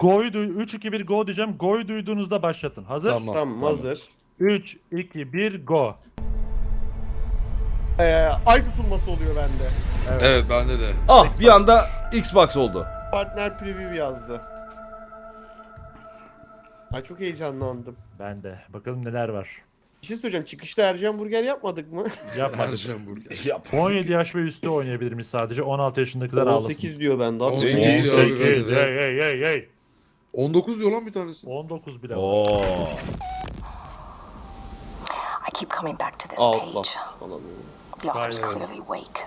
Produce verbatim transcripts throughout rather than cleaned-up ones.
Go'yu duy üç iki bir go diyeceğim. Go'yu duyduğunuzda başlatın. Hazır? Tamam. Tamam hazır. üç iki bir go. Ee, ay tutulması oluyor bende. Evet bende de. Ah bir anda Xbox oldu. Partner preview yazdı. Ay çok heyecanlandım. Ben de. Bakalım neler var. Bir şey söyleyeceğim. Çıkışta Ercan Burger yapmadık mı? Yapmadık. Ercan burger. Yap. on yedi yaş ve üstü oynayabilir miyiz sadece? on altı yaşındakiler on ağlasın. sekiz diyor bende abi. on on sekiz sekiz diyor abi. on sekiz. Hey hey hey hey. on dokuz diyor lan bir tanesi. on dokuz bile var. Oo. I keep coming back to this Outlast page. falan. The author's Right. clearly awake.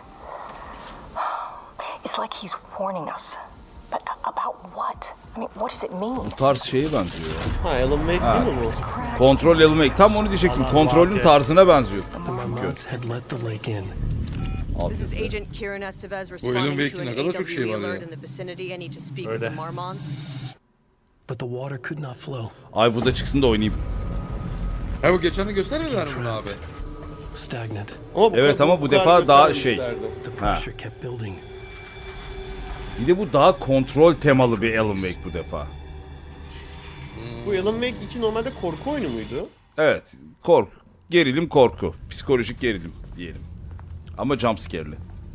It's like he's warning us. But about what? I mean, what does it mean? Bu tarz şeye benziyor. Ha Alan Wake Ha. değil mi bu? Kontrol Elmek. Tam onu diyecektim. Allah Kontrolün Allah. tarzına benziyor. The Marmots had let the lake in. This is Abi. Agent Kieran Estevez Alan responding to Wake'in an ne kadar çok şey A W var ya. alert in the vicinity. I need to speak with Öyle. the Marmons. But the water could not flow. Ay bu da çıksın da oynayayım. Ha bu geçen de göstermediler mi bunu abi? Stagnant. Ama bu Evet kadar- ama bu kadar defa daha şey. göstermemişlerdi. The Ha. pressure kept building. Bir de bu daha kontrol temalı bir Alan Wake bu defa. Bu Alan Wake iki normalde korku oyunu muydu? Evet. Kork. Gerilim korku. Psikolojik gerilim diyelim. Ama jumpscare'li.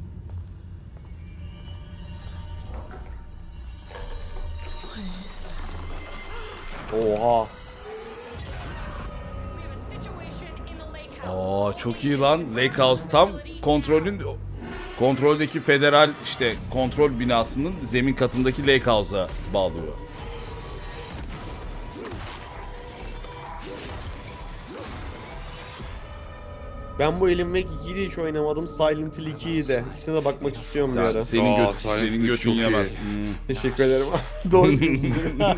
Oha. Aa çok iyi lan. Lake House tam kontrolün kontroldeki federal işte kontrol binasının zemin katındaki Lake House'a bağlıyor. Ben bu Alan Wake ikiyi de hiç oynamadım. Silent Hill ikiyi de. İkisine de bakmak istiyorum bir Sen, ara. senin, Aa, göt, Silent senin Hill götün çok iyi. yemez. Hmm. Teşekkür ederim. Doğru diyorsun.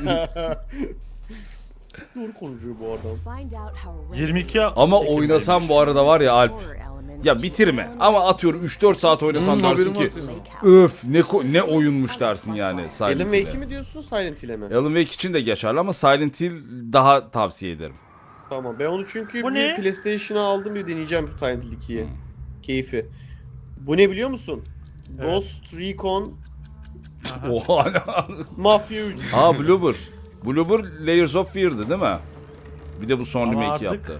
Doğru konuşuyor bu adam. yirmi iki Ama oynasam bu arada var ya Alp. Ya bitirme. Ama atıyorum üç dört saat oynasan Hmm, dersin haberim var ki senin. öf ne ko- ne oyunmuş dersin yani Alan Silent Wake'i Hill'e. mi diyorsun Silent Hill'e mi? Alan Wake için de geçerli ama Silent Hill daha tavsiye ederim. Tamam ben onu çünkü Bu bir ne? PlayStation'a aldım bir deneyeceğim Silent Hill ikiyi. Keyfi. Bu ne biliyor musun? Evet. Ghost Recon Oha. Mafia üç. Aa Bloober. Bloober Layers of Fear'dı değil mi? Bir de bu son Ama remake artık- yaptı.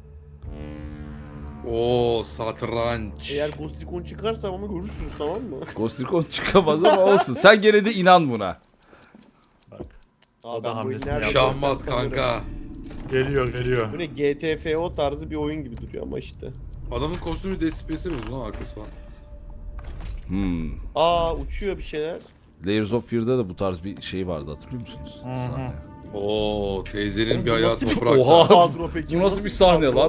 Oo satranç. Eğer Ghost Recon çıkarsa ama görürsünüz tamam mı? Ghost Recon çıkamaz ama olsun. Sen gene de inan buna. Bak. Aa, O da ben bu hamlesini oyunu nerede yaptı. görsem Şahmat tanırım. kanka. Geliyor geliyor. Bu ne G T F O tarzı bir oyun gibi duruyor ama işte. Adamın kostümü Dead Space'e mi lan arkası falan? Hmm. Aa uçuyor bir şeyler. Layers of Fear'da da bu tarz bir şey vardı hatırlıyor musunuz? Sahne. Oo teyzenin bir Bu ayağı nasıl bir- toprakta. Oha! Kadro peki, Bu nasıl bir sahne kadro? lan?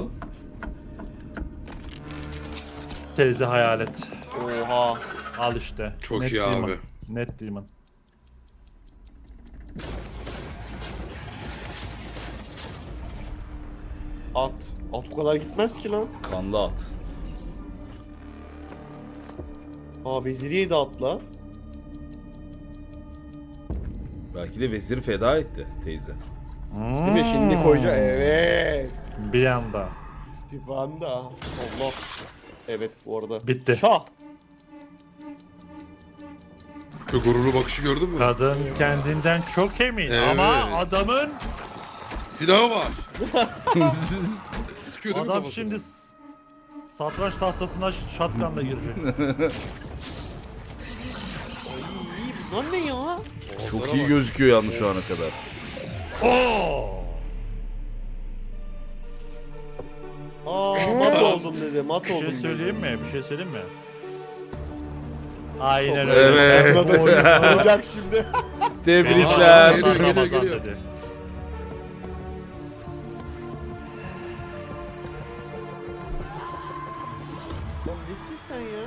Teyze hayalet. Oha. Al işte. Çok Net iyi Demon. abi. Net Demon. At. At o kadar gitmez ki lan. Kanlı at. Aa veziriye de atla. Belki de veziri feda etti teyze. Değil mi şimdi koyacak? Evet. Bir anda. Divanda. Allah. Evet bu arada. Bitti. Şah. Şu gururlu bakışı gördün mü? Kadın kendinden çok emin Evet. ama adamın Silahı var. Sıkıyor değil mi adam kafasına? şimdi s- satranç tahtasına shotgunla girecek. İyi. Lan ne ya? Çok iyi gözüküyor yalnız şu ana kadar. Oo! Aa mat oldum dedi. Mat Bir oldum şey dedi. söyleyeyim mi? Bir şey söyleyeyim mi? Aynen öyle. Evet. Sırada oyun olacak şimdi. Tebrikler. Geliyor, geliyor, Ramazan geliyor. dedi. Lan nesin sen ya?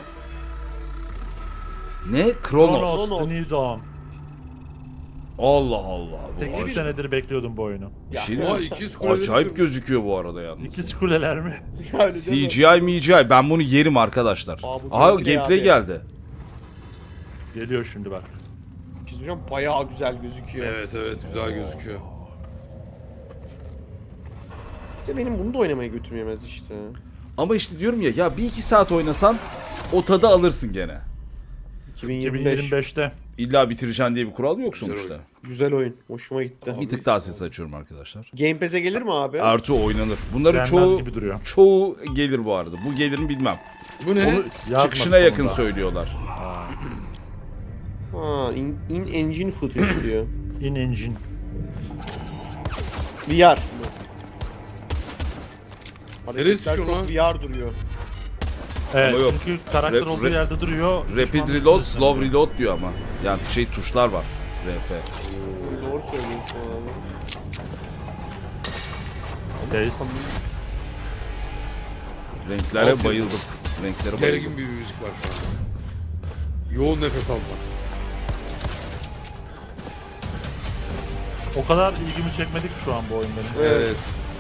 Ne? Kronos. Kronos, Kronos. The New Dawn. Allah Allah. Bu sekiz senedir bekliyordum bu oyunu. Ya, Şey Oha mi? ikiz kuleleri Acayip kırmış. gözüküyor bu arada yalnız. İkiz kuleler mi? yani değil mi? C G I, M G I ben bunu yerim arkadaşlar. Aa, bu Aha gameplay gameplay abi. geldi. Geliyor şimdi bak. Bir şey söyleyeceğim, bayağı güzel gözüküyor. Evet evet güzel gözüküyor. Ya benim bunu da oynamaya götüm yemez işte. Ama işte diyorum ya ya bir iki saat oynasan o tadı alırsın gene. iki bin iki bin yirmi beş. yirmi beşte. illa bitireceksin diye bir kural yok Güzel sonuçta. oyun. Güzel oyun. Hoşuma gitti. Bir tık daha ses açıyorum arkadaşlar. Game Pass'e gelir mi abi? Artı oynanır. Bunların Gelmez çoğu gibi duruyor. çoğu gelir bu arada. Bu gelir mi bilmem. Bu ne? Onu Yazmadı çıkışına yakın sonunda. söylüyorlar. Ha, in, in engine footage diyor. In engine. V R. Neresi Hareketler şu çok lan? V R duruyor. Evet Ama yok. çünkü karakter Rap- olduğu rap- yerde duruyor. Rapid düşman reload, üstüne slow sürüyor. reload diyor ama. Yani şey tuşlar var. R F. Doğru söylüyorsun abi. Space. Renklere Alt bayıldım. Renklere bayıldım. Gergin bir müzik var şu an. Yoğun nefes alma. O kadar ilgimi çekmedi ki şu an bu oyun benim. Evet.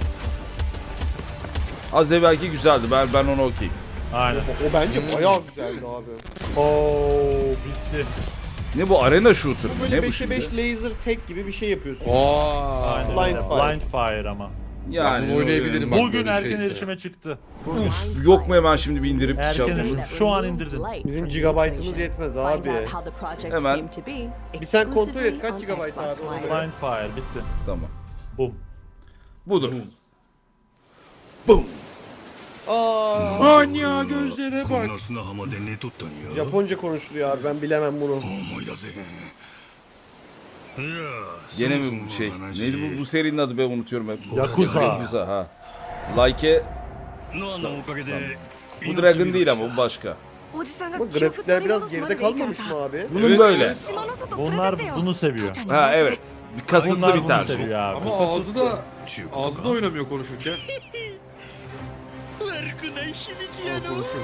Az evvelki güzeldi. Ben ben ona okeyim. Aynen. O, o bence bayağı güzeldi abi. Oo bitti. Ne bu arena shooter mı? Böyle Ne bu beşe şimdi? beş laser tek gibi bir şey yapıyorsun. Aa. Aynen. Blind öyle. Fire. Blind Fire ama. Yani bunu oynayabilirim bak. Bugün böyle erken şeyse. erişime çıktı. Uf, yok mu hemen şimdi bir indirip Erken şey yapmamız? erişim. Şu an indirdin. Bizim gigabaytımız yetmez abi. Hemen. Bir sen kontrol et kaç gigabayt abi ona göre. Blind Fire bitti. Tamam. Bum. Budur. Aa, Anya gözlere bak. Japonca konuşuluyor abi ben bilemem bunu. Gene mi bu şey? Neydi bu, bu serinin adı be unutuyorum hep. Yakuza. Yakuza ha. Like bu Dragon değil ama bu başka. Ama grafikler biraz geride kalmamış mı abi? Bunun Evet, böyle. evet. Bunlar bunu seviyor. Ha evet. Bir kasıtlı Bunlar bir bunu tercih. seviyor abi. Ama ağzı da ağzı da oynamıyor konuşurken. Ama konuşuyor.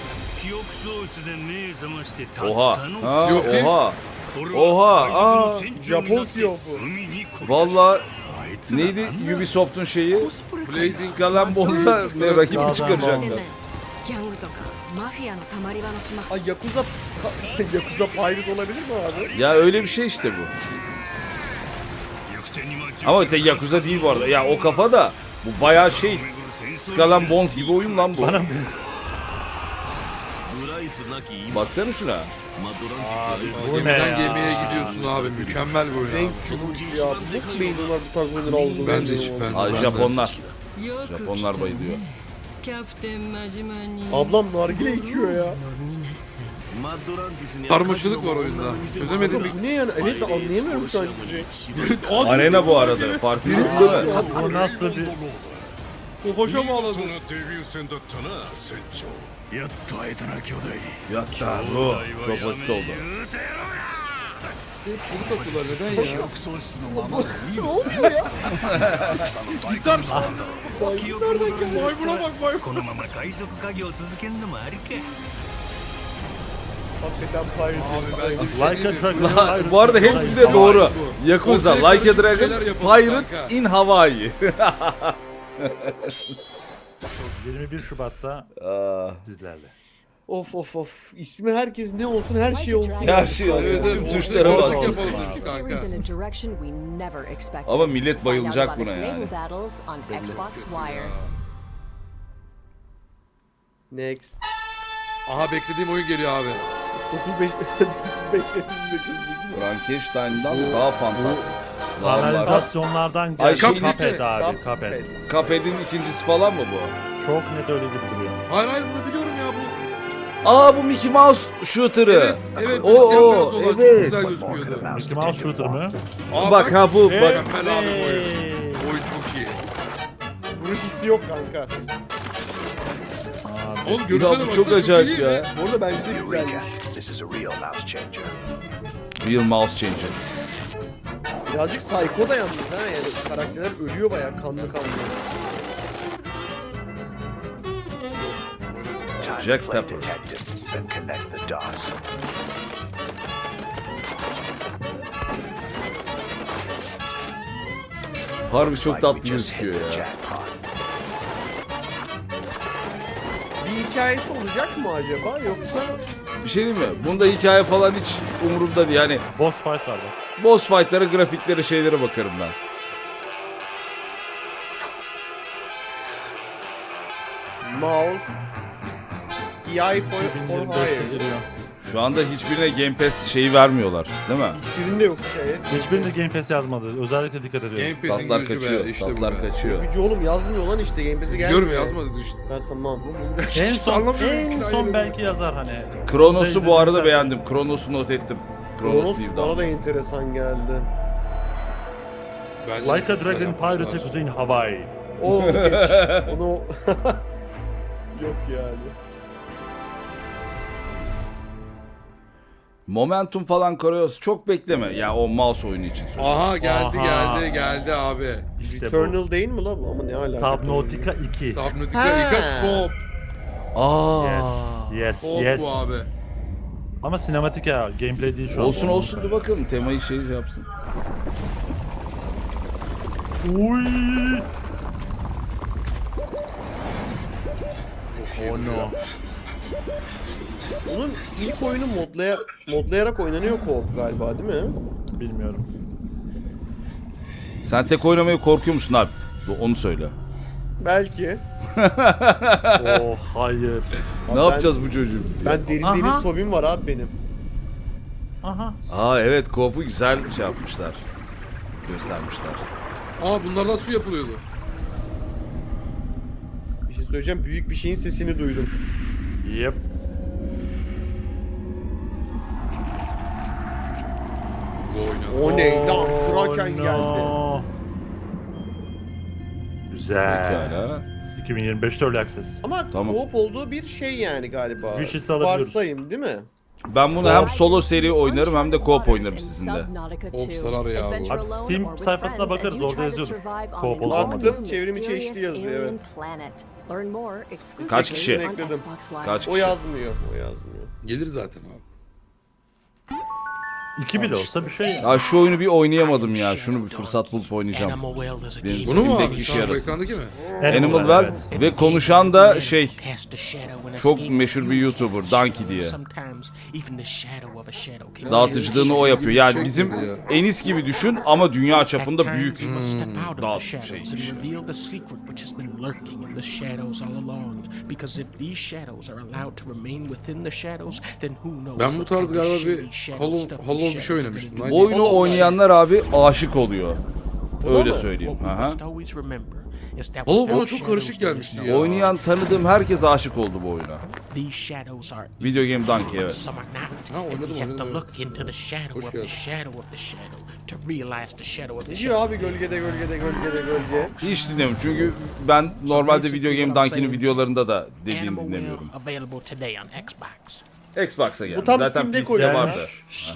Oha. Ha, Yok, değil. oha. Oha. Aa. Japon siyofu. Valla neydi Ubisoft'un şeyi? Blazing Skalan Bonza ne rakibi Dağdan çıkaracaklar. Ay Yakuza Yakuza Pirate olabilir mi abi? Ya öyle bir şey işte bu. Ama tek Yakuza değil bu arada. Ya o kafa da bu bayağı şey. Skalan Bones gibi oyun lan bu. Bana Baksana şuna. bu ne gemiden ya? gemiye gidiyorsun abi. Mükemmel bir oyun Renk abi. çubuğu ya. Nasıl beğeniyorlar bu tarz oyunları olduğunu Ben de bilmiyorum. ben, Ay ben de. Japonlar. Japonlar bayılıyor. Ablam nargile içiyor ya. Karmaşalık var oyunda. Çözemedim. Bu ne yani? Evet ben anlayamıyorum şu an hiçbir şey. Arena bu arada. Farkındasın değil mi? Bu nasıl bir... Tofaşa mı ağladı? Yatta bu. Çok vakit oldu. Çocuk akıllar neden ya? Ne oluyor ya? Gitar. Nereden geldi? Maymuna bak maymuna. Hakikaten Pirate. Abi ben Like a Dragon. Bu arada hepsi de doğru. Yakuza, Ortaya Like a karışık Dragon, şeyler yapın Pirates kanka. in Hawaii. yirmi bir Şubat'ta Aa, sizlerle. Of of of. İsmi herkes ne olsun her şey olsun. Her şey olsun. Evet, Tüm evet, tuşlara ortaya bas. karışık yapalım işte kanka. Ama millet bayılacak buna yani. Next. Aha beklediğim oyun geliyor abi. dokuz beş dokuz beş sekiz bekliyoruz. Frankenstein'dan daha fantastik. Daha var. Kanalizasyonlardan Ay, geldi. şey- Cuphead abi. Cuphead. Cuphead'in ikincisi falan mı bu? Çok net öyle gibi duruyor. Hayır hayır bunu biliyorum ya bu. Aa bu Mickey Mouse shooter'ı. Evet evet. O, O, o, o, çok evet. güzel gözüküyordu. Mickey Mouse Shooter mı? Aa, Bak ha bu bak. Mükemmel abi bu oyun. Oyun çok iyi. Vuruş hissi yok kanka. Abi. Oğlum Ya görüntüne bu baksana, çok acayip iyi ya. mi? Bu arada bence de güzelmiş. Real Mouse Changer. Birazcık psycho da yalnız ha yani karakterler ölüyor bayağı kanlı kanlı. Jack Pepper. Harbi çok tatlı gözüküyor ya. Bir hikayesi olacak mı acaba yoksa Bir şey diyeyim mi? Bunda hikaye falan hiç umurumda değil. Yani Boss fight var bak. boss fight'lara, grafiklere, şeylere bakarım ben. mouse E I for, iki bin for yirmi beşte hire. geliyor. Şu anda hiçbirine Game Pass şeyi vermiyorlar değil mi? Hiçbirinde yok şey. Hiçbirinde Game Pass yazmadı. Özellikle dikkat ediyorum. Game Pass'in Tatlar gücü kaçıyor, be. İşte bu tatlar be. kaçıyor. Gücü oğlum yazmıyor lan işte Game Pass'e gelmiyor. Diyorum yazmadı işte. Ha tamam. En son, Anlamıyorum, en hikayeyi son yok. belki yazar hani. Kronos'u bu arada Güzel. beğendim. Kronos'u not ettim. Kronos Kronos New bana Dawn. da enteresan geldi. Bence Like a çok güzel Dragon yapmışlar. Pirate'ı Kuzey'in Hawaii. O onu geç. Onu yok yani. Momentum falan Kronos çok bekleme. Ya o mouse oyunu için söylüyorum. Aha geldi Aha. geldi geldi abi. İşte bu. Eternal değil mi lan? Ama ne alaka? Subnautica iki. Subnautica Ha. ilk top. Aa. Yes, Top yes. bu abi. Ama sinematik ya, gameplay değil şu an. Olsun olsun dur bakalım temayı şey yapsın. Uy. Oh no. Bunun ilk oyunu modlaya, modlayarak oynanıyor co-op galiba değil mi? Bilmiyorum. Sen tek oynamayı korkuyor musun abi? Onu söyle. Belki. Oh hayır. Ne ben- yapacağız bu çocuğu biz ya? Ben derin Aha. deniz fobim var abi benim. Aha. Aa evet co-op'u güzel şey yapmışlar. Göstermişler. Aa bunlardan su yapılıyordu. Bir şey söyleyeceğim. Büyük bir şeyin sesini duydum. Yep. Bu oynadı. O ne lan? Oh, Kraken no. geldi. Güzel. Pekala. iki bin yirmi beşte Early Access. Ama Tamam. co-op olduğu bir şey yani galiba. Wishlist'e alabiliyoruz. Varsayım değil mi? Ben bunu hem solo seri oynarım hem de co-op oynarım sizinle. Hop sarar ya bu. Abi Steam sayfasına bakarız, orada yazıyordur. Co-op olduğunu. Baktım, çevrim içi eşli yazıyor, evet. Kaç kişi? Ekledim. Kaç O kişi? yazmıyor. O yazmıyor. Gelir zaten abi. İki bile olsa bir şey. Ya şu oyunu bir oynayamadım ya. Şunu bir fırsat bulup oynayacağım. Animal Well is a Benim game. Bunu mu Steam'deki abi? işe Şu an bu yarasın. ekrandaki mi? Animal Well, Well evet. ve konuşan da şey Cast a shadow in a çok scheme. meşhur bir YouTuber Donkey diye. Sometimes even the shadow of a shadow can Dağıtıcılığını o yapıyor. Yani Şey bizim gibi ya. Enis gibi düşün ama dünya çapında At büyük times you must step out of dağıt the şey shadows and işi. reveal the secret which has been lurking in the shadows all along. Because if these shadows are allowed to remain within the shadows, then who knows Ben bu what tarz kind of galiba shady bir shadow Hollow, stuff these Hollow bir shadows şey are oynamıştım. gonna lan. do. Bu oyunu oynayanlar abi aşık oluyor. Öyle mı? söyleyeyim. What we Aha. must always remember is that Hollow bana without çok karışık shadows there gelmişti is ya. no Oynayan tanıdığım herkes aşık oldu bu oyuna. These shadows are Video Game Donkey evet. some are not. Ha, And oynadım, we have to oynadım, look into the shadow Hoş of the geldin. shadow of the shadow to realize the shadow of the Ne shadow. diyor abi gölgede gölgede gölgede gölge. Hiç dinlemiyorum çünkü ben normalde Video Game Donkey'nin videolarında da dediğini Animal dinlemiyorum. Will available today on Xbox. Xbox'a geldi. Bu tam Zaten Steam'de P C'de koyuyor vardı.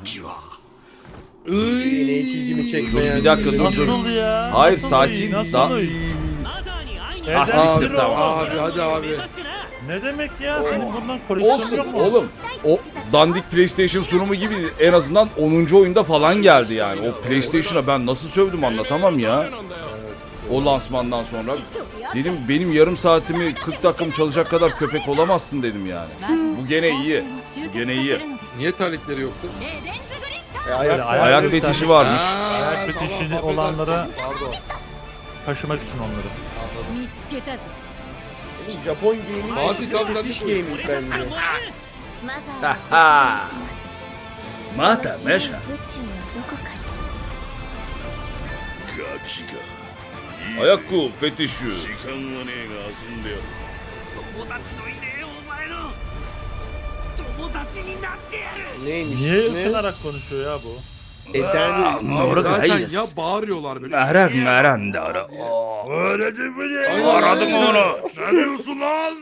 Yine hiç ilgimi çekmeyen. Bir dakika dur dur. Nasıl ya? Hayır, Nasıl sakin, iyi? Nasıl da- iyi? Ah, Evden siktir, siktir tamam. o. Abi hadi abi. Ne demek ya? Senin bundan koleksiyonun Olsun yok mu? oğlum. O dandik PlayStation sunumu gibi en azından onuncu oyunda falan geldi yani. O PlayStation'a ben nasıl sövdüm anlatamam ya. O lansmandan sonra dedim benim yarım saatimi kırk dakikamı çalacak kadar köpek olamazsın dedim yani. Bu gene iyi. Bu gene iyi. Niye terlikleri yoktu? E, ayak, Böyle ayak- Ayak fetişi varmış. Aa, Ayak fetişi tamam, olanlara affedersin. Pardon. taşımak için onları. Japon gaming Abi, tabii, fetiş tabii. gaming bence. Ha. Mata meşa. Ayakkabı fetişi. Neymiş Niye ismi? ıkınarak konuşuyor ya bu? Eden. Abi zaten Hayır. ya bağırıyorlar böyle. Merak meran da ara. Öyle değil mi ya? Ay, Aradım ay, onu. Ne diyorsun lan?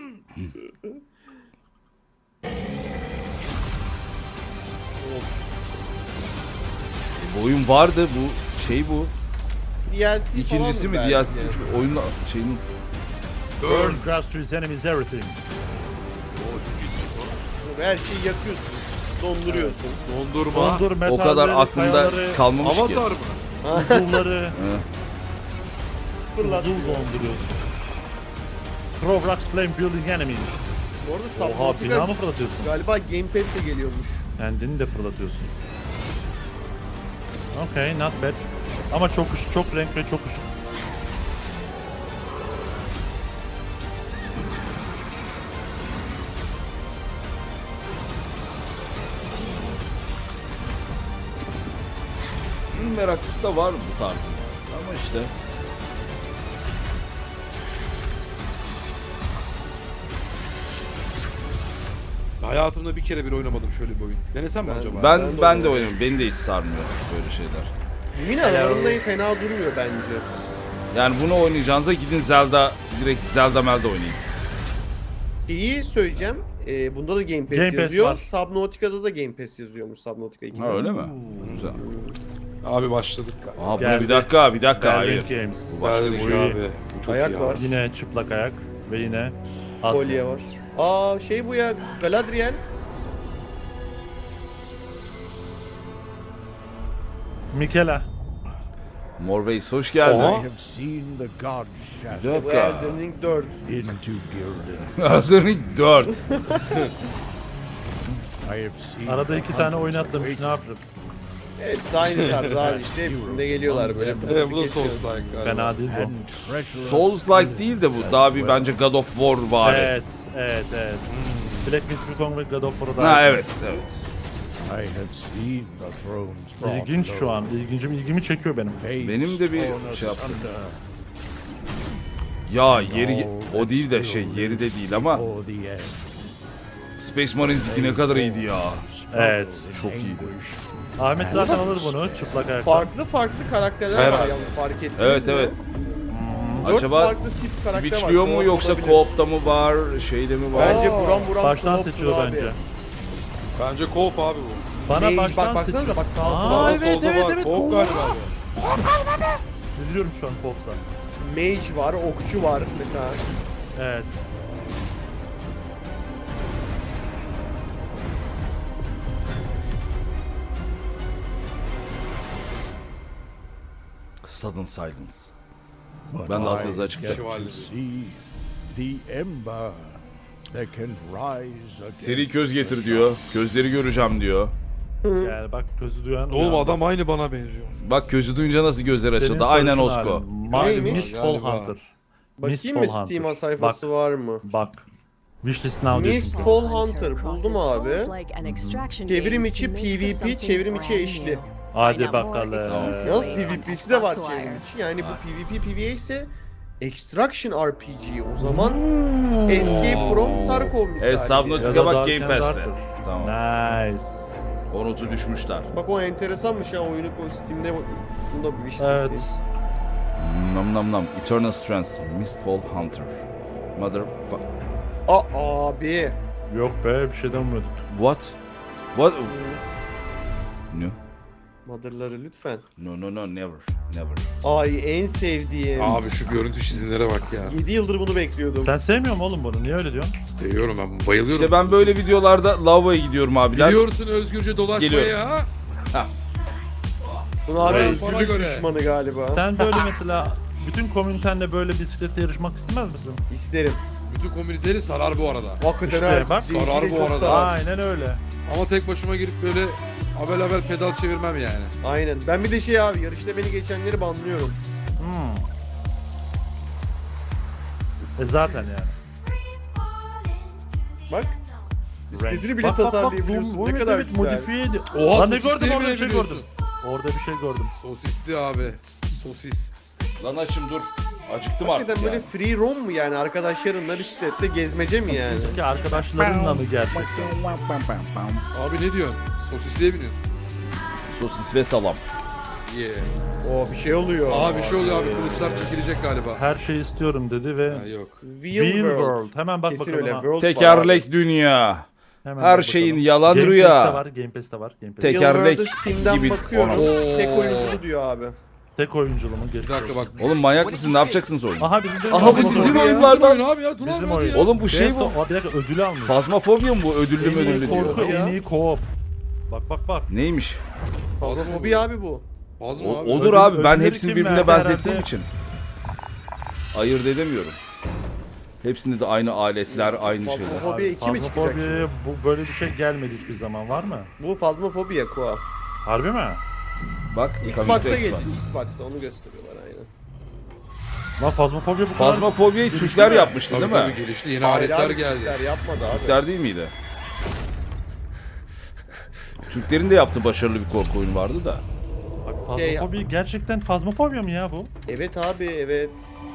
Bu oyun vardı bu şey bu. D L C İkincisi mi falan D L belki? C'si mi? Çünkü oyunun şeyinin Burn grassroots enemies everything. Her şeyi yakıyorsun. Donduruyorsun. Dondurma. Dondur o kadar metalleri, aklımda kayaları, kalmamış ki. Avatar mı? buzulları, Fırlat. buzul donduruyorsun. Provrax flame building enemies. Bu arada Oha bina Subnautica mı fırlatıyorsun? galiba Game Pass'te geliyormuş. Kendini de fırlatıyorsun. Okay, not bad. Ama çok ışık, çok renk ve çok ışık. oyun meraklısı da var bu tarz. Ama işte. Hayatımda bir kere bir oynamadım şöyle bir oyun. Denesem mi acaba? Ben Ben de ben de oynadım. oynuyorum. Beni de hiç sarmıyor böyle şeyler. Yine aralarında fena durmuyor bence. Yani bunu oynayacağınıza gidin Zelda, direkt Zelda Melda oynayın. İyi söyleyeceğim. Ee, bunda da Game Pass Game Pass yazıyor. var. Subnautica'da da Game Pass yazıyormuş Subnautica iki. Ha öyle mi? Güzel. Abi başladık galiba. Aha bu Geldi. bir dakika, bir dakika. Berlin Hayır. Games. Bu başka Başka bir bir şey. şey abi. Bu çok Ayak iyi var. abi. Yine çıplak ayak ve yine Asya. Kolye var. Aa şey bu ya Galadriel. Mikela. Morveys hoş geldin. Oha. I have seen the god Bir shadow Bu dakika. Elden Ring dört. into Gildan. Elden dört. I have seen Arada the iki tane hunters oyun atlamış, awake. ne yapacak? Hepsi aynı tarz abi işte hepsinde geliyorlar böyle. Evet bu da Kesiyor. Souls-like galiba. Fena değil bu. And treasure of Souls-like değil de bu daha bir bence God of War var. Evet, evet, evet. Black Myth Wukong ve God of War'da. Ha evet, evet. I have seen the thrones brought İlginç şu low. an. İlgincim, ilgimi çekiyor benim. Fates Benim de bir torn şey yaptı. asunder Ya yeri o değil de şey yeri de değil ama for the end. Space Marines iki ne kadar iyiydi ya. Evet. Çok iyiydi. Ahmet zaten alır bunu çıplak ayakta. Farklı farklı karakterler var Herhalde. yalnız fark ettiniz Evet mi? evet. Dört Acaba farklı tip karakter var. switchliyor mu Co-op yoksa olabilir. co-op'ta mı var, şeyde mi var? Bence buram buram Baştan co-op'tur seçiyor abi. bence. Bence co-op abi bu. Bana Mage, baştan bak seçiyor. baksanıza bak sağa Aa, sola. evet, Solda evet, var. evet. Co-op galiba abi. Biliyorum şu an Pops'a. Mage var, okçu var mesela. Evet. Sudden Silence. But Ben de alt I yazı açık get Şövalye. to see the ember that can rise against Seri köz getir diyor. Gözleri göreceğim diyor. Yani bak gözü duyan. Oğlum uyandı. adam aynı bana benziyor. Bak gözü duyunca nasıl gözler Senin açıldı. Aynen sarışın Osko. halin. Mavi Neymiş? Mistfall Galiba. Hunter. Bakayım Mistfall mı Hunter. Steam sayfası var mı? Bak. Wishlist now diyorsun. Mistfall Hunter buldum abi. Çevrim içi PvP, çevrim içi eşli. Hadi bakalım. Yalnız PvP'si de var çevrim içi. Yani bu PvP PvE ise Extraction R P G. O zaman Escape from Tarkov misali. E, Subnautica Ya da bak Dark Game and Pass'te. Darker. Tamam. Nice. O notu düşmüşler. Bak o enteresanmış ya oyunu o Steam'de bunda bir wish Evet. listeyim. Nam nam nam. Eternal Strength. Mistfall Hunter. Motherfuck. Aa abi. Yok be bir şey demiyorduk. What? What? No. Mother'ları lütfen. No no no never. Never. Ay en sevdiğim. Abi şu görüntü çizimlere bak ya. yedi yıldır bunu bekliyordum. Sen sevmiyor musun oğlum bunu? Niye öyle diyorsun? Seviyorum ben bayılıyorum. İşte ben böyle videolarda lavaboya gidiyorum abiler. Biliyorsun özgürce dolaşmaya Geliyorum. ya. Bunu abi Evet. Bana özgürlük göre. düşmanı galiba. Sen böyle mesela bütün komünitenle böyle bisikletle yarışmak istemez misin? İsterim. Bütün komüniteleri sarar bu arada. Hakikaten İşte her bak. zinciri Sarar bu çok arada. sarar. Aynen öyle. Ama tek başıma girip böyle haber haber pedal çevirmem yani. Aynen. Ben bir de şey abi yarışta beni geçenleri banlıyorum. Hmm. E zaten yani. Bak. Bisikletini bile Bak, bak, bak, tasarlayabiliyorsun. bu- Ne evet, kadar evet, güzel. modifiye edi- Oha, Lan ne sosisleri gördüm orada bile bir şey biliyorsun. gördüm. Orada bir şey gördüm. Sosisli abi. Sosis. Lan açım dur. Acıktım artık Hakikaten ya. böyle free roam mu yani arkadaşlarınla bisiklette gezmece mi yani? Ki arkadaşlarınla mı gerçekten? Abi ne diyorsun? Sosisliye biniyorsun. Sosis ve salam. Yeah. Oo bir şey oluyor. Aa bir şey oluyor abi kılıçlar çekilecek galiba. Her şeyi istiyorum dedi ve Ha, yok. Wheel, Wheel World. World. Hemen bak Kesin bakalım öyle. ha. World var abi. Tekerlek dünya. Hemen Her bak şeyin bakalım. yalan Game rüya. Pass'te var, Game Pass'te var. Game Pass'te. Tek- Wheel Tekerlek World'da Steam'den gibi bakıyorum. ona. Tek oyunculu diyor abi. Tek oyunculu mu? Geçmiş Bir dakika bak. olsun. Oğlum manyak mısın? Ne yapacaksınız oyunu? Aha bizim de Aha bu Bizim sizin oyun ya. oyunlardan. Oyun abi ya dur Bizim abi hadi oyun. ya. Oğlum bu şey Best bu. of- Aa, bir dakika ödülü almış. Fazmafobia mı bu? Ödüllü mü En iyi ödüllü korku, diyor. Ya. en iyi co-op. Bak bak bak. Neymiş? Fazlafobi abi bu. Az mı O, abi? odur Ödül- abi. Ben ödülleri hepsini kim birbirine verdi benzettiğim herhalde? için. Ayırt edemiyorum. Hepsinde de aynı aletler, aynı şeyler. Fazlafobi iki mi çıkacak Fazmafobi, şimdi? bu böyle bir şey gelmedi hiçbir zaman var mı? Bu Fazmafobi ya Koa. Harbi mi? Bak, Xbox'a Xbox. geç. Xbox'a onu gösteriyorlar aynen. Lan Fazmafobi bu kadar. Fazmafobia'yı Gelişti Türkler mi? yapmıştı Tabii değil tabii mi? gelişti. Yeni Hayır aletler abi, geldi. Türkler yapmadı abi. Türkler değil miydi? Türklerin de yaptığı başarılı bir korku oyunu vardı da. Bak Fazmafobi gerçekten fazmafobia mı ya bu? Evet abi, evet.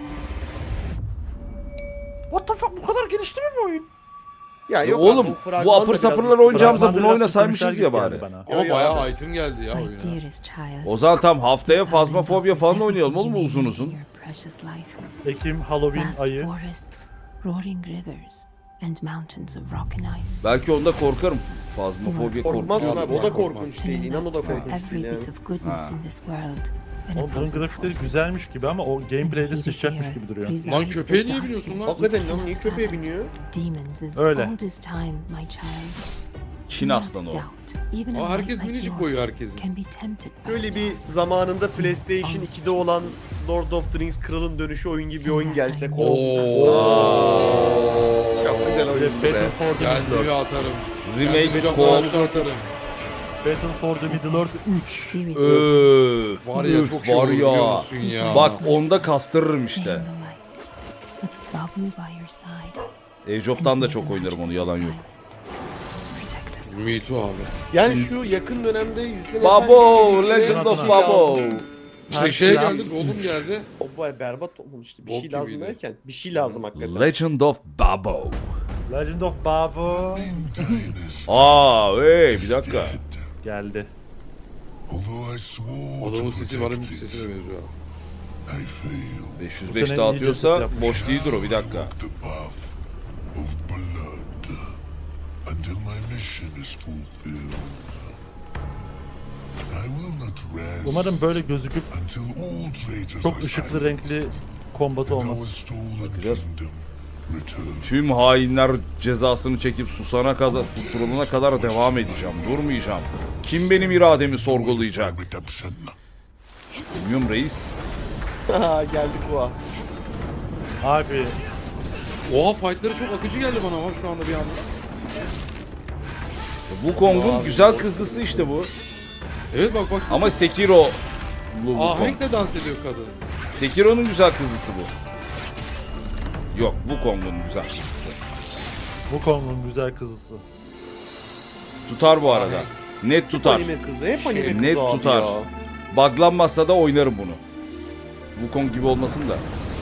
What the fuck, bu kadar gelişti mi bu oyun? Ya yok Oğlum, abi, bu fragman da apır biraz sapırlar yıktı. oynayacağımıza Fragman bunu biraz oynasaymışız sıkmışlar ya gibi bari. geldi bana. Ama Yo, yo, bayağı abi. item geldi ya My oyuna. dearest child. O zaman tam haftaya the silent fazmafobia offers falan oynayalım everything oğlum you uzun need uzun. in your precious life. Ekim, Halloween Vast ayı. forests, roaring rivers, and mountains of rock and ice. Belki onda korkarım. Fazmafobia Korkmazsın korkuyorum. abi, o da Korkmaz. korkunç değil. İnan o da For korkunç every değil yani. bit of goodness in this world. an Oğlum bunun opposing grafikleri force güzelmiş exists. gibi ama o gameplay'de In the heat of the sıçacakmış earth gibi duruyor. resides Lan a köpeğe niye darkness biniyorsun lan? you Hakikaten lan cannot niye köpeğe fathom. biniyor? Demons as Öyle. old as time, my child. Çin Do not aslanı o. doubt, even a Aa, light herkes like minicik yours boyu herkesin. can be tempted by Böyle bir darkness. zamanında PlayStation ikide olan Lord of the Rings Kralın Dönüşü oyun gibi bir oyun gelse. Oo. Çok güzel oyun. Battle for the Kendimi Middle-earth. atarım. Remake Kendimi co-op. Japon'a atarım. Battle for the Middle-earth üç. Be resilient. Öf, Var ya, öf, çok iyi var olur, biliyor ya. musun ya? Bak onda kastırırım Stay işte. in the light, with Babu by your side. Age of'tan da çok oynarım onu, yalan yok. Protect us. Me too abi. Yani şu yakın dönemde yüzden Babo, efendim serisi Legend of bir şey Babo. lazım. İşte şeye geldik, oğlum geldi. O baya berbat olmuştu. Bir Bok şey lazım gibiydi. derken bir şey lazım hakikaten. Legend of Babo. Legend of Babu Aa, hey bir dakika. geldi. Although I swore Adamın to sesi protect varım you, sesine benziyor. I failed. beş yüz Bu beş sene dağıtıyorsa iyi yapmış boş değildir o, bir dakika. The path of blood until my mission is fulfilled. I will not rest Umarım böyle gözüküp until all traitors çok are ışıklı silenced renkli kombatı and our olmaz. stolen Bakacağız. kingdom returned. Tüm hainler cezasını çekip susana kadar, susturulana kadar devam edeceğim. Durmayacağım. Kim benim irademi sorgulayacak? Redemption. Bilmiyorum reis. Ha geldik bu an. Abi Oha, fightları çok akıcı geldi bana ama şu anda bir anda. Wukong'un güzel kızlısı işte bu. Evet bak bak. Ama Sekiro. Bu Wukong. Ahenkle dans ediyor kadın. Sekiro'nun güzel kızlısı bu. Yok, Wukong'un güzel kızlısı. Wukong'un güzel kızısı. Tutar bu arada. Net tutar. Anime kızı, hep anime kızı Net abi tutar. ya. Buglanmazsa da oynarım bunu. Wukong gibi olmasın da.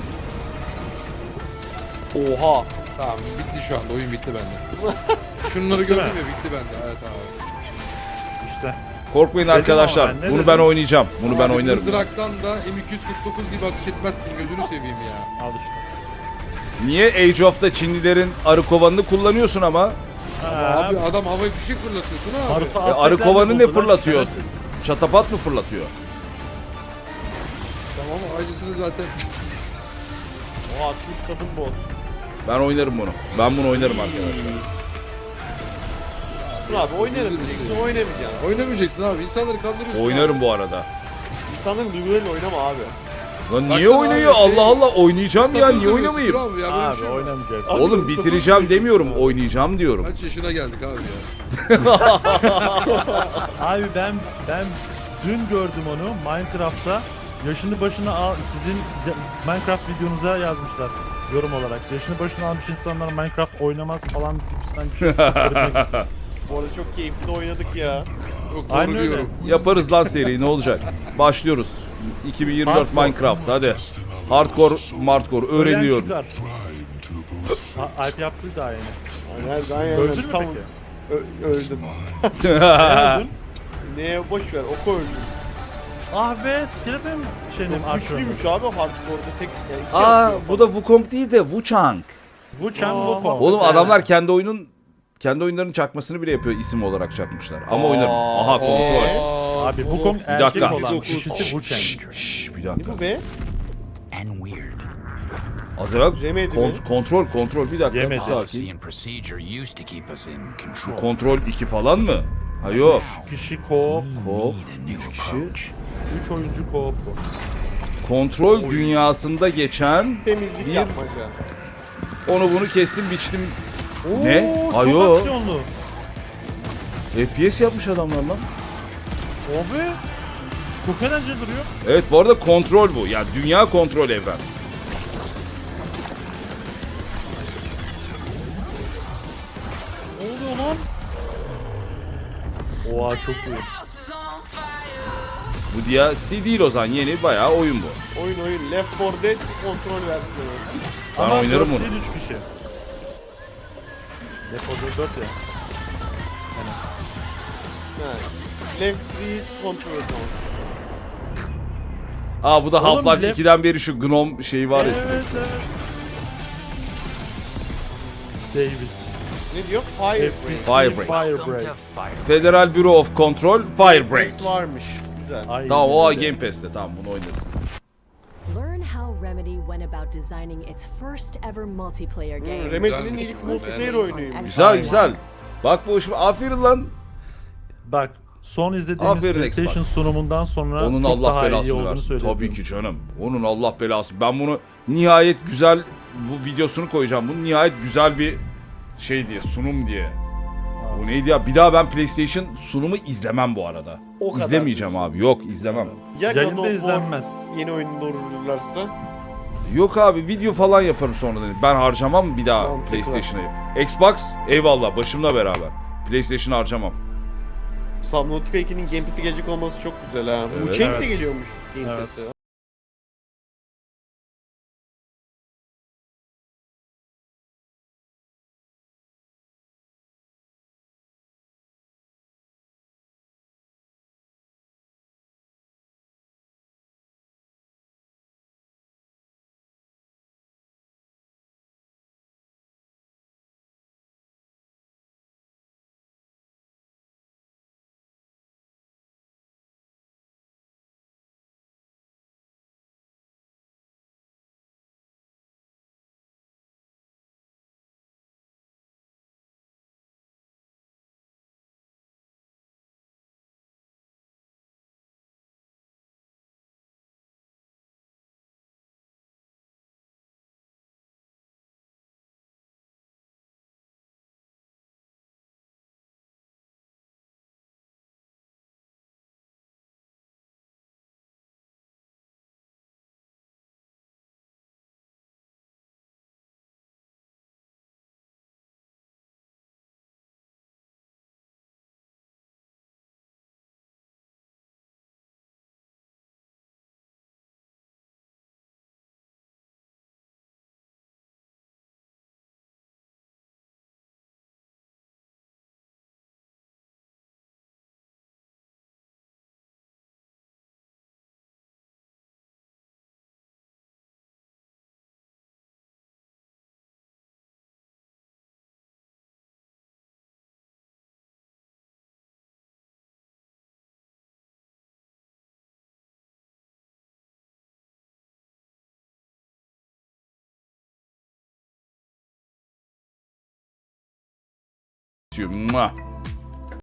Oha. Tamam, bitti şu anda, oyun bitti bende. Şunları gördüm ya, bitti bende. Evet abi. İşte. Korkmayın Dedim arkadaşlar. ama ben, ne Bunu dedim? ben oynayacağım. Bunu ben Abi, oynarım. Mızraktan da M iki yüz kırk dokuz gibi atış etmezsin, gözünü seveyim ya. Al işte. Niye Age of'ta Çinlilerin arı kovanını kullanıyorsun ama? Ha, Abi adam havaya fişek fırlatıyorsun abi. Naruto E, Aztekler arı de kovanı ne buldu lan, fırlatıyor? şerefsiz. Çatapat mı fırlatıyor? Tamam, acısını zaten. Oha, Türk kadın boss. Ben oynarım bunu. Ben bunu oynarım arkadaşlar. Dur abi, oynarım diyeceksin, oynamayacaksın. Oynamayacaksın abi, insanları kandırıyorsun. Oynarım bu arada. İnsanların duygularıyla oynama abi. Lan Baksana niye abi, oynuyor? şey- Allah Allah, oynayacağım ya, Sakın niye dövüyorsun, oynamayayım? dur Abi, ya, böyle bir Abi şey var. oynamayacak. Oğlum bitireceğim demiyorum, oynayacağım diyorum. Kaç yaşına geldik abi ya. Abi ben ben dün gördüm onu Minecraft'ta. Yaşını başına al, sizin de- Minecraft videonuza yazmışlar yorum olarak. Yaşını başına almış insanlar Minecraft oynamaz falan gibisinden bir şey. Bu arada çok keyifli de oynadık ya. Çok doğru Aynen öyle. diyorum. Yaparız lan seriyi, ne olacak? Başlıyoruz. iki bin yirmi dört Hardcore. Minecraft hadi. Hardcore, hardcore öğreniyorum. Ölen çıkar. A- Alp yaptı daha yeni. Aynen, aynen. Öldün mü Tam- peki? Ö- öldüm. Ne öldün? Neye boş ver, oku öldüm. Ah be, skeleton şeyinin Çok arşivinde. güçlüymüş abi hardcore'da tek yani iki Aa, atıyor bu da Wukong değil de Wuchang. Wuchang Wukong. Oğlum adamlar kendi oyunun kendi oyunlarının çakmasını bile yapıyor, isim olarak çakmışlar. Ama oynarım. Aha, kontrol. Aa, Abi of. Wukong Bir dakika. erkek olan dokuz. kişisi Wuchang. Şşş, bir Ne dakika. bu be? and weird. Az evvel Remedi kont- mi? kontrol kontrol bir dakika. Yemedi. Bir Policy sakin. and procedure used to keep us in control. Kontrol iki falan mı? Ha yok. Kişi co-op, Hop. Need a new Üç kişi. approach. üç oyuncu co-op bu. Kontrol dünyasında geçen Temizlik Bir- yapmaca. onu bunu kestim biçtim. Oo, Ne? Çok Ayo. aksiyonlu. F P S yapmış adamlar lan. Abi. Çok eğlenceli duruyor. Evet bu arada kontrol bu. Yani dünya kontrol evren. Ne oluyor lan? Oha çok iyi. Bu D L C değil o zaman, yeni bayağı oyun bu. Oyun oyun. Left four Dead kontrol versiyonu. Ben Ama oynarım dört bunu. değil, üç kişi. Depoda dört ya. Ha. Left three kontrol versiyonu. Aa bu da Oğlum, Half-Life left- ikiden beri şu Gnome şeyi var ya Evet, sürekli. evet. David. Ne diyor? Firebreak. F P C Firebreak. Welcome Firebreak. to Fire. Federal Bureau of Control Firebreak. Pass varmış. Güzel. Aynen Tamam o öyle. Game Pass'te, tamam bunu oynarız. Learn how Remedy went about designing its first ever multiplayer Hmm, game. Remedy'nin Güzelmiş. ilk multiplayer Beğendim. oyunuymuş. Güzel Aynen. güzel. Bak bu hoşuma. Aferin lan. Bak son izlediğimiz Aferin PlayStation Xbox. sunumundan sonra Onun çok Allah daha iyi belasını olduğunu versin. söyledim. Tabii ki canım. Onun Allah belası. Ben bunu nihayet güzel, bu videosunu koyacağım. Bunu nihayet güzel bir şey diye, sunum diye. Bu neydi ya? Bir daha ben PlayStation sunumu izlemem bu arada. O kadar İzlemeyeceğim diyorsun. abi. Yok izlemem. Ya God Yayında of War izlenmez. yeni oyunu doğrulurlarsa. Yok abi video falan yaparım sonradan. Ben harcamam bir daha Mantıklı. PlayStation'ı. Xbox eyvallah başımla beraber. PlayStation harcamam. Subnautica ikinin Game Pass'e gelecek olması çok güzel ha. Evet. Wuchang Evet. de geliyormuş Game Evet. Pass'e. Mua.